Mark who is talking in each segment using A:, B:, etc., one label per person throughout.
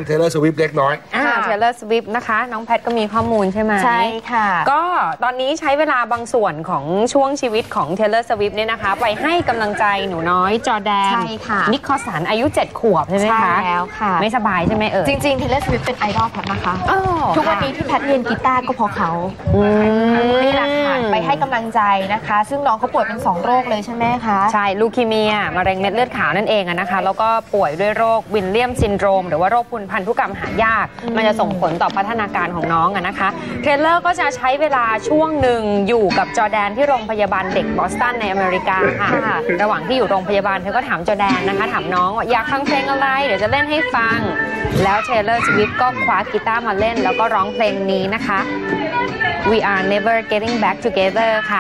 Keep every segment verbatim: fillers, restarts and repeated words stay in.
A: เทเลอร์สวิฟต์เล็กน้อย
B: อ่าเทเลอร์สวิฟต์นะคะน้องแพทก็มีข้อมูลใช่ไหม
C: ใช่ค่ะ
B: ก็ตอนนี้ใช้เวลาบางส่วนของช่วงชีวิตของเทเลอร์สวิฟต์เนี่ยนะคะไปให้กำลังใจหนูน้อยจอร์แดน
C: ใช่ค่ะ
B: นิโคลสันอายุเจ็ดขวบใช่ไหมคะ
C: ใช่แล้วค่ะ
B: ไม่สบายใช่ไหมเอ่ย
C: จริงๆเทเลอร์สวิฟต์เป็นไอดอลแพทนะคะทุกวันนี้ที่แพทเรียนกีตาร์ก็เพราะเขานี่แหละค่ะไปให้กำลังใจนะคะซึ่งน้องเขาป่วยเป็นสองโรคเลยใช่ไหมคะ
B: ใช่ลูคีเมียมะเร็งเม็ดเลือดขาวนั่นเองนะคะแล้วก็ป่วยด้วยโรควิลเลียมซินโดรมหรือว่าโรคพันธุกรรมหายากมันจะส่งผลต่อพัฒนาการของน้องนะคะเทเลอร์ก็จะใช้เวลาช่วงหนึ่งอยู่กับจอร์แดนที่โรงพยาบาลเด็กบอสตันในอเมริกาค่ะระหว่างที่อยู่โรงพยาบาลเธอก็ถามจอร์แดนนะคะถามน้องว่าอยากฟังเพลงอะไรเดี๋ยวจะเล่นให้ฟังแล้วเทเลอร์สวิฟต์ก็คว้ากีตาร์มาเล่นแล้วก็ร้องเพลงนี้นะคะ We are never getting back together ค่ะ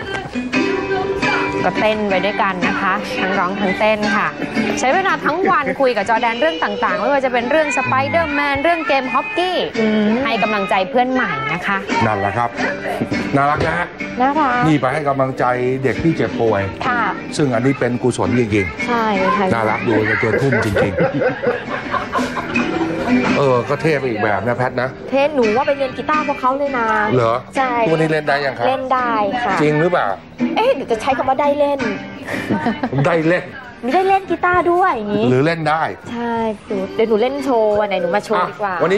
B: ก็เต้นไปด้วยกันนะคะทั้งร้องทั้งเต้นค่ะใช้เวลาทั้งวันคุยกับจอร์แดนเรื่องต่างๆไม่ว่าจะเป็นเรื่องสไปเดอร์แมนเรื่องเกมฮอกกี้ให้กำลังใจเพื่อนใหม่นะคะ
A: นั่นแหละครับน่ารักนะฮะ
C: น่ารัก
A: นี่ไปให้กำลังใจเด็กที่เจ็บป่วย
C: ค่ะ
A: ซึ่งอันนี้เป็นกุศลจริง
C: ๆใช่ค่ะ
A: น่ารักดูเป็นตัวทุ่มจริงๆเออก็เท่ไปอีกแบบนะแพทนะ
C: เท่หนูว่าไปเรียนกีตาร์พวกเขาเลยนะ
A: เหรอ
C: ใช่
A: วันนี้เล่นได้ยังครับ
C: เล่นได้ค่ะ
A: จริงหรือเปล่า
C: เอ๊ะเดี๋ยวจะใช้คำว่าได้เล่น
A: ได้เล่น
C: ไม่ได้เล่นกีตาร์ด้วยอย่างนี้
A: หรือเล่นได้
C: ใช่เดี๋ยวหนูเล่นโชว์วันไหนหนูมาโชว์ดีกว่า